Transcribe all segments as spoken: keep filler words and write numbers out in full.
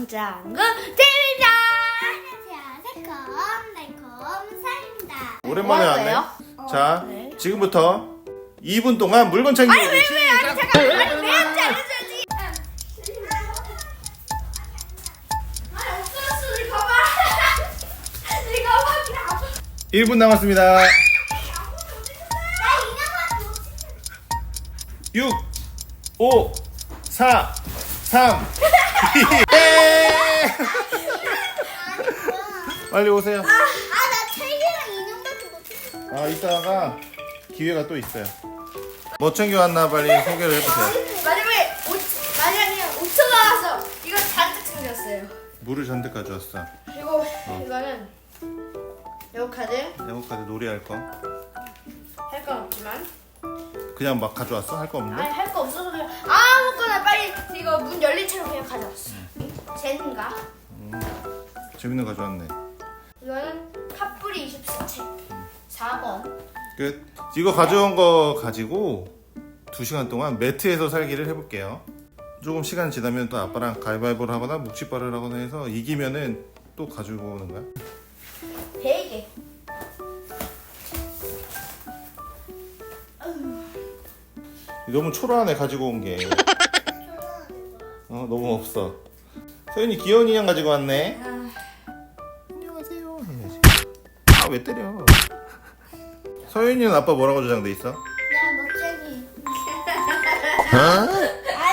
장장구 TV입니다. 안녕하세요. 새콤달콤 사입니다. 오랜만에 뭐 왔네. 하세요? 자, 네. 지금부터 이 분 동안 물건 챙기기. 아니 왜 왜 아니 잠깐 아니 왜 한지 알려줘야지. 아니 없어졌어 우리 가방. 우리 가방이 일 분 남았습니다. 나 이나만 육, 오, 사, 삼, 이, 예! 빨리 오세요. 아나 책이랑 인형밖에 못 아, 이따가 기회가 또 있어요. 뭐 챙겨왔나 빨리 소개를 해보세요. 마지막에 오 만약에 오천 나왔어. 이거 잔뜩 챙겼어요. 물을 잔뜩 가져왔어. 그리고 이거는 에어카드 네모카드 놀이할 거. 할 건 없지만 그냥 막 가져왔어? 할 거 없는데? 아니 할 거 없어서 그냥 아무거나 빨리 이거 문 열린 채로 그냥 가져왔어. 쟤인가? 음, 재밌는 거 가져왔네. 이거는 팥뿌리 이십사 책 사 번. 끝. 이거 가져온 거 가지고 두 시간 동안 매트에서 살기를 해볼게요. 조금 시간 지나면 또 아빠랑 가위바위보를 하거나 묵찌발을 하거나 해서 이기면은 또 가지고 오는 거야. 베개. 너무 초라하네 가지고 온 게. 어 너무 없어. 서윤이 귀여운 인형 가지고 왔네. 아, 안녕하세요 해야지. 아 왜 때려? 서윤이는 아빠 뭐라고 저장돼 있어? 나 멋쟁이. 어?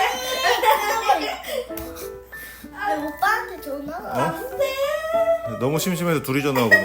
왜 오빠한테 전화? 어? 너무 심심해서 둘이 전화 오거든.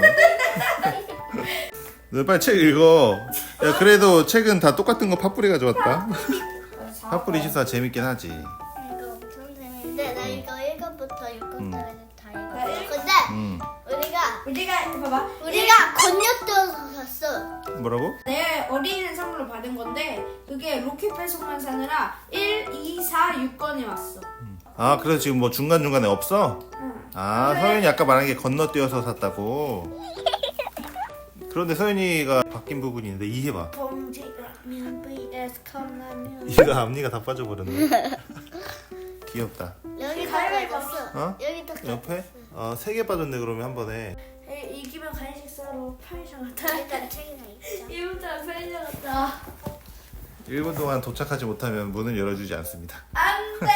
너 빨리 책 읽어. 야 그래도 책은 다 똑같은 거 팥뿌리 가져왔다. 팥뿌리 이십사 재밌긴 하지. 이거 엄청 재밌는데 나 이거 일 권부터 육 권까지 다 나 일- 읽었어. 근데 음 우리가 우리가 봐봐. 우리가 건너뛰어서 샀어. 뭐라고? 내 어린이 선물로 받은 건데 그게 로켓 배송만 사느라 일, 이, 사, 육 건이 왔어. 아 그래서 지금 뭐 중간 중간에 없어? 응. 아 서윤이 아까 말한 게 건너뛰어서 샀다고. 그런데 서윤이가 바뀐 부분이 있는데 이해봐. 봉지라면 vs 컵라면. 이가 앞니가 다 빠져버렸네. 귀엽다. 여기 다 가위바위보. 빠졌어. 어? 여기 다 옆에? 어, 세 개 빠졌네 그러면 한 번에. 에이, 이기면 간식 사러 편의점 갔다. 일단 책이나 읽자. 이부터 편의점 갔다. 일 분 동안 도착하지 못하면 문을 열어주지 않습니다. 안돼.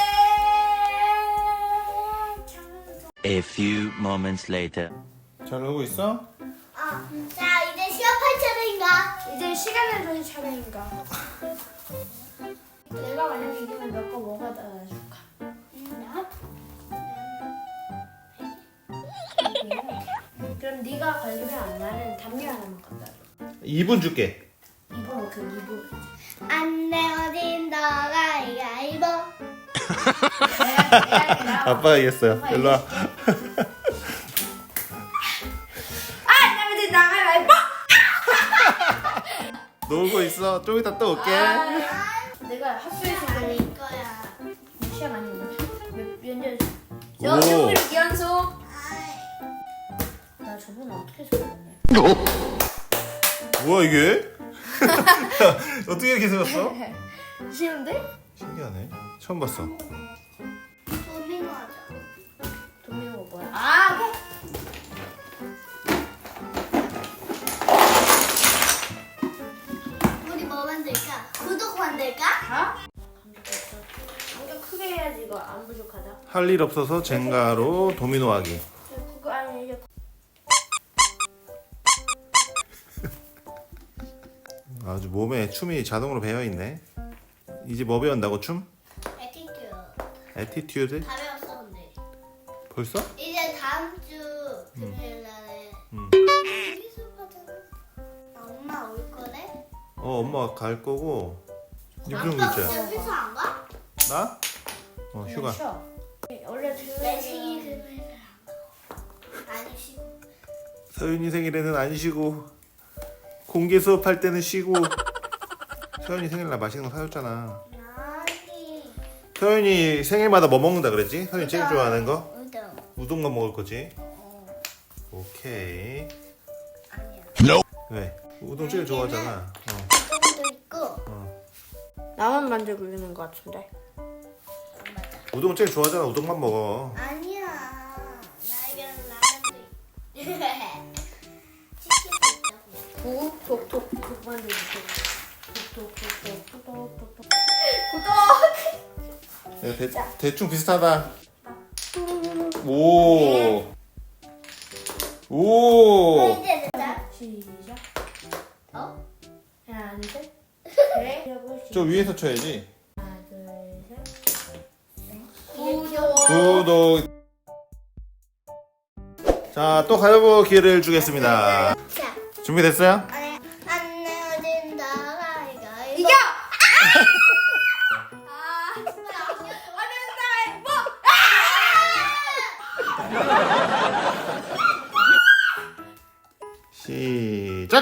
A few moments later. 잘 오고 있어? 어. 자 이제 시합할 차례인가? 이제 시간을 돌릴 차례인가? 내가 만약에 이기면 몇 거 뭐가 달아줄까? 그럼 네가 걸리면 나는 담요 하나만 갖다 줘. 이 분 줄게. 이분 그 이분. 안 내어진 너가 이가이보. 내가 내가 내가. 아빠가 이겼어요. 아빠 일로 와. 아, 나한테 나가라 뭐? 놀고 있어. 좀 이따 또 올게. 내가 학교에서 아닐 그 거야. 시험 아니면 몇년 오. 저 선물 연속. 나 저번에 어떻게 생겼냐? 뭐야 이게? 어떻게 이렇게 생겼어? 쉬운데? 신기하네. 처음 봤어. 도미노 하자. 도미노가 뭐야? 아, 우리 뭐 만들까? 구독 만들까? 다? 감정 없어. 감정 크게 해야지 이거 안 부족하다. 할 일 없어서 젠가로 도미노 하기. 그거 아니 이제 아주 몸에 춤이 자동으로 배어 있네. 이제 뭐 배운다고 춤? 에티튜드. 에티튜드? 다 배웠어 근데. 벌써? 이제 다음 주 금요일 날에 음. 우리 수업하잖아. 나 엄마 올 거래? 어 엄마 갈 거고. 유경 아빠 글자. 혹시 회사 안 가? 나? 어 휴가. 쉬어. 원래 내 들으면 생일 금요일 안 가. 아니 쉬고. 서윤이 생일에는 안 쉬고 공개 수업할 때는 쉬고. 서윤이 생일날 맛있는 거 사줬잖아. 아니. 서윤이 생일마다 뭐 먹는다 그랬지? 서윤이 제일 좋아하는 거? 우동. 우동만 먹을 거지? 어. 오케이. 아니야. 왜? 우동 제일 좋아하잖아. 어. 우동도 있고. 어. 나만 만들고 있는 것 같은데. 안 맞아. 우동 제일 좋아하잖아. 우동만 먹어. 아니야. 톡톡톡톡 만들기. 톡톡톡톡톡톡톡. 구독. 네, 대, 대충 비슷하다. 오. 오. 이제 됐다. 시작. 어? 하나, 둘, 셋. 네. 저 위에서 쳐야지. 하나, 둘, 셋. 구독. 구독. 자, 또 가위바위보 기회를 주겠습니다. 자, 준비됐어요? 아니, 안 내어진다. 가위가 이겨! 아, 진짜. 어른다, 뭐? 시작.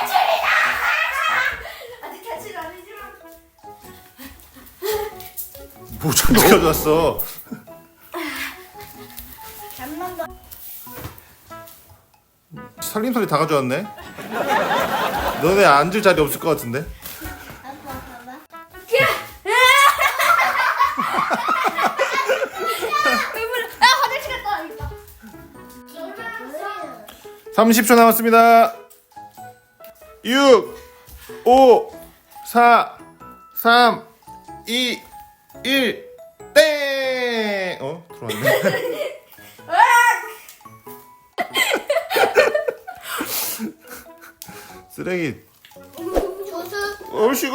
아직 탈출 아니지만. 뭐 저렇게 가져왔어? 잠만 봐. 살림소리 다 가져왔네. 너네 앉을 자리 없을 것 같은데? 아빠 봐봐. 아, 화장실 갔다 와야겠다. 삼십 초 남았습니다. 육, 오, 사, 삼, 이, 일, 땡! 어? 들어왔네. 쓰레기. 조수. 얼씨구?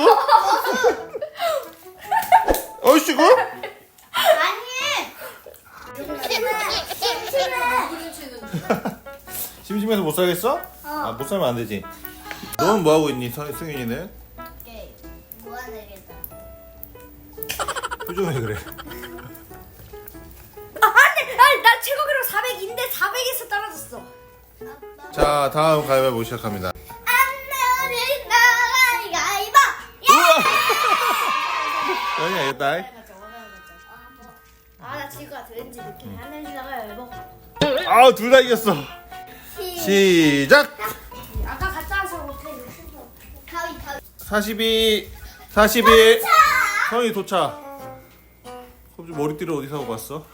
얼씨구? 아니. 심심해. 심심해. 심심해서 못 살겠어? 아, 못 살면 안 되지. 너는 뭐 하고 있니, 서- 승윤이는? 오케이. 무한하겠다. 표정이 그래. 아, 안돼! 아니, 나 최고 기록 사백인데 사백에서 떨어졌어. 아빠. 자, 다음 가위바위보 시작합니다. 안 내어진다. 가위가 이봐. 여기 알겠다. 아, 나 지금 같아. 왠지 느낌이 안 내리다가 열고. 아, 둘 다 이겼어. 시작! 아까 갔다 와서 못해. 가위 가위. 사십이, 사십일. 성이 도착. 갑자기 머리띠를 어디서 하고 왔어?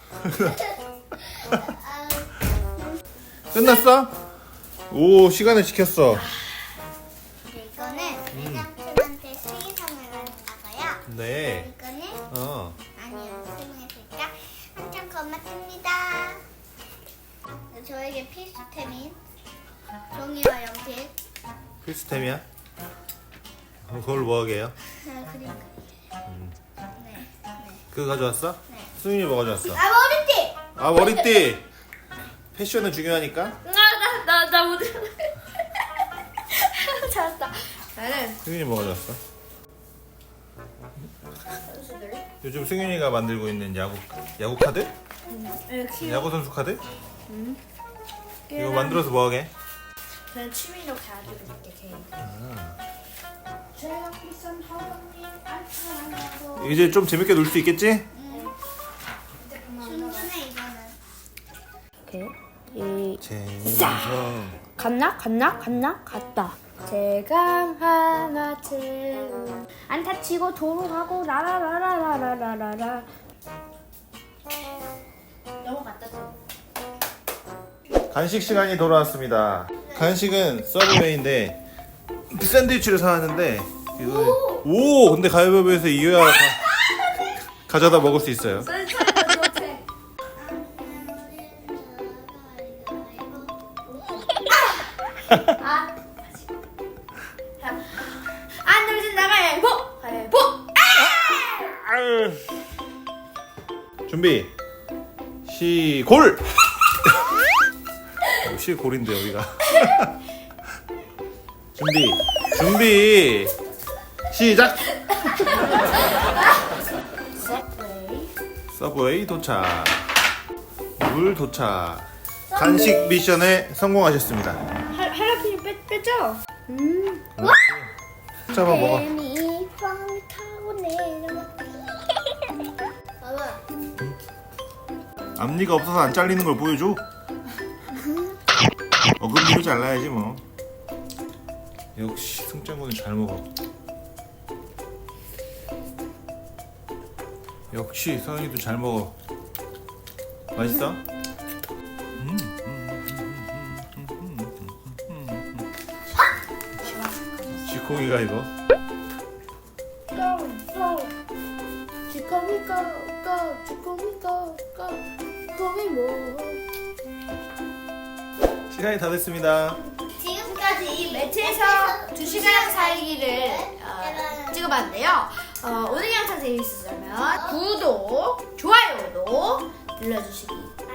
아, 끝났어? 오, 시간을 지켰어. 이거는 회장님한테 수의상을 받았다고요. 네. 이거는 어. 아니요, 수능했으니까 엄청 고맙습니다. 저에게 필수템인 종이와 연필, 필수템이야? 그걸 뭐 하게 해요? 아, 그림 그리기. 네, 네. 그거 가져왔어? 네. 수윤이 뭐 가져왔어? 아, 머리띠! 아, 머리띠! 패션은 중요하니까. 나, 나, 나 못. 잘했다. 나는 승윤이 뭐 가져왔어? 선수들. 요즘 승윤이가 만들고 있는 야구 야구 카드? 이렇게. 야구 선수 카드? 이거 만들어서 뭐 하게? 그냥 취미로 가지고 있게 개인. 제가 비싼 하원님 안타나고. 이제 좀 재밌게 놀 수 있겠지? 충분해, 이거는. 오케이. 이 재밌어. 갔나? 갔나? 갔나? 갔다. 제강 하나 채운 안타 치고 도로 가고 라라라라라라라라. 넘어갔다 좀. 간식 시간이 돌아왔습니다. 간식은 서브웨이인데 샌드위치를 사왔는데 이거 오 근데 가위바위보에서 이겨야 가, 가져다 먹을 수 있어요. 아, 안 들진 나가야 보, 가위보. 아유. 준비 시골. 시골인데 여기가. 준비 준비 시작. 서브웨이 도착. 물 도착. 간식 미션에 성공하셨습니다. 할 할라피뇨 뺐 뺐죠? 음. 잡아 먹어. 뱀이 빵 타고 내려. 봐봐. 앞니가 없어서 안 잘리는 걸 보여줘. 어금니로 잘라야지 뭐. 역시 승장군은 잘 먹어. 역시 서현이도 잘 먹어. 맛있어? 음. 공이가 이거. 주거미 고고 주거미 고고 주거미 뭐. 시간이 다 됐습니다. 지금까지 이 매트에서 두 시간 살기를 어, 찍어봤는데요. 어, 오늘 영상 재밌었다면 구독, 좋아요도 눌러주시기